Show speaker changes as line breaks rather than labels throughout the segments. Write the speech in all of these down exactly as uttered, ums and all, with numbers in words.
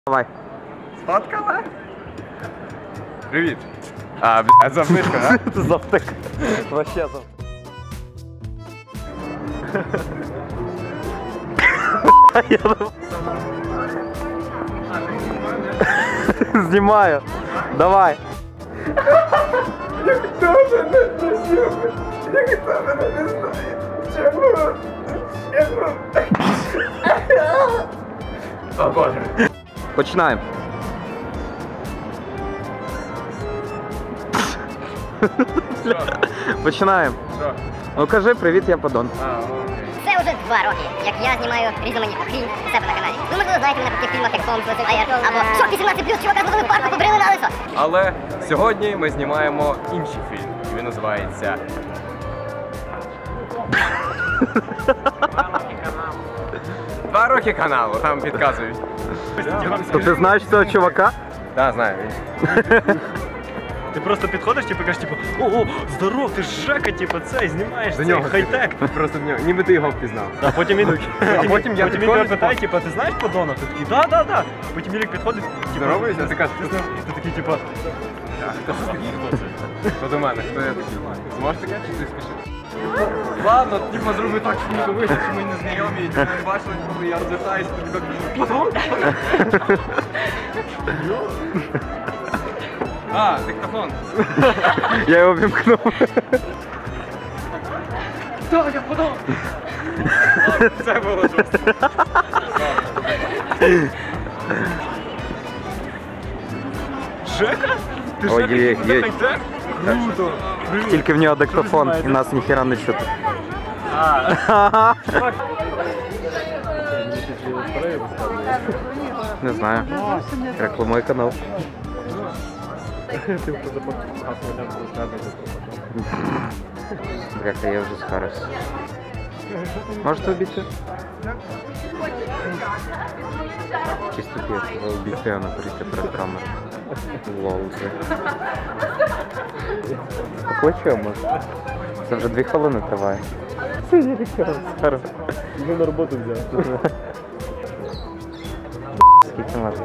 Давай.
Сфоткала? Привіт. А, блядь, завтика, да?
Завтик. Вообще завтик. Знімаю. Давай.
Ніхто мене не любить. Ніхто мене не знає. Чому? Чому? О, Боже.
Починаємо. Починаємо.
Що?
Ну кажи привіт, я Падон.
А, окей.
Це вже два роки, як я знімаю різноманітну фільм у себе на каналі. Ви, можливо, знаєте мене по таких фільмах, як Холмс, Айер, або Шок вісімнадцять плюс, чувака з новими парку побрили на лисо.
Але сьогодні ми знімаємо інший фільм. І він називається Два роки каналу, там підказують.
То ти знаєш цього чувака?
Так, знаю.
Ти просто підходиш, типу, кажеш, типу, о, здоров, ти ж Жека, типу, це, знімаєш
До
цей
нього
хай-тек.
Просто в нього, ніби ти його впізнав.
А потім він,
А потім я
потім він
підходжу,
тебе питає, типу, ти знаєш Падона? Ти такий, да, да, да. Потім Ілік підходить, типу,
Здороваєшся, ти кажеш,
ти знаєш, ти такий, типу,
Хто до мене? Хто я такий? Зможеш таке, чи ти спішиш? Ладно, типу, зроби так, що ніби вийшло, що ми не знайомі, і не бачили, коли я розвертаюся, то так, Платон? А, диктофон.
Я його вімкнув.
Так, я подав. Це було жорстко.
Жека? Ти
Ой,
Жека,
є,
типу,
є.
хай-тек? Круто. Привіт.
Тільки в нього диктофон, і
знімаєте?
нас ніхіра не чути.
А,
Не знаю. Рекламуй канал. Бляха, я вже схарився. Можете обійти? Чисто п'ять, обійти, а не прийти перед камерою. Лол, вже. Покличу, може? Це вже дві хвилини триває. Це не таке.
Його на роботу взяв.
Скільки можна?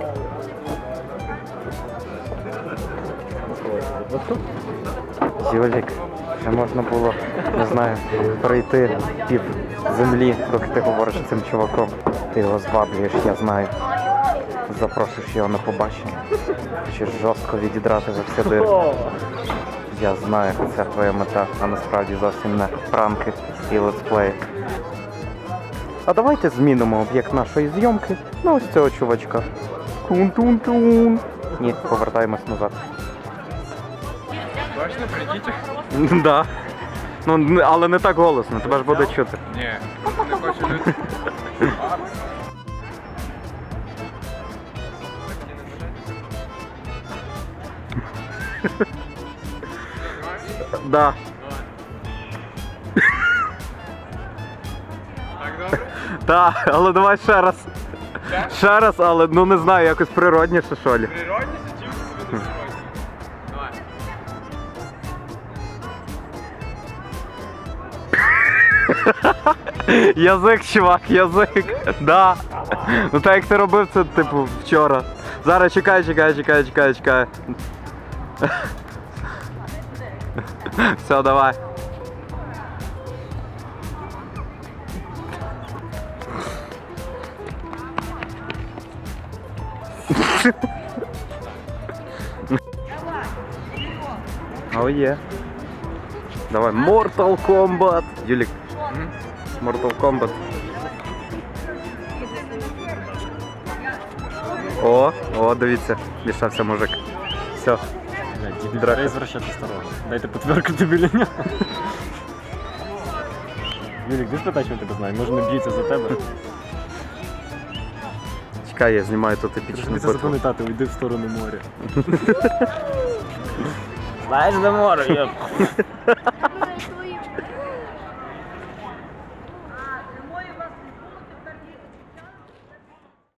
Юлік, ще можна було, не знаю, пройти пів землі, доки ти говориш з цим чуваком. Ти його зваблюєш, я знаю. Запрошуєш його на побачення. Хочеш жорстко відідрати за всі дир. Я знаю, це твоя мета, а насправді зовсім не пранки і летсплеї. А давайте змінимо об'єкт нашої зйомки на ось цього чувачка. Тун-тун-тун. Ні, повертаємось назад.
Точно, прийдіть?
Да. Ну, але не так голосно, тебе ж буде чути.
Ні, просто не хочу люди.
Да.
Так добре?
Так, але давай ще раз. Ще раз, але ну не знаю, якось природніше, що лі.
Природніше, чим тобі не природніше? Давай.
Язик, чувак, язик. Да. Ну так як ти робив це, типу, вчора. Зараз чекай, чекай, чекай, чекай, чекай. Все, давай. О, є. Давай, Mortal Kombat. Юлік. Mortal Kombat. О, о, дивіться, мішався мужик. Все.
Драка. Дай звращати старого. Дайте потверкати біля нього. Юлік, ти спитай, що тебе знає, може не б'ється за тебе.
Чекай, я знімаю тут епічну
Ти це
битву.
запам'ятати, уйди в сторону моря. Знаєш, де море, йоп.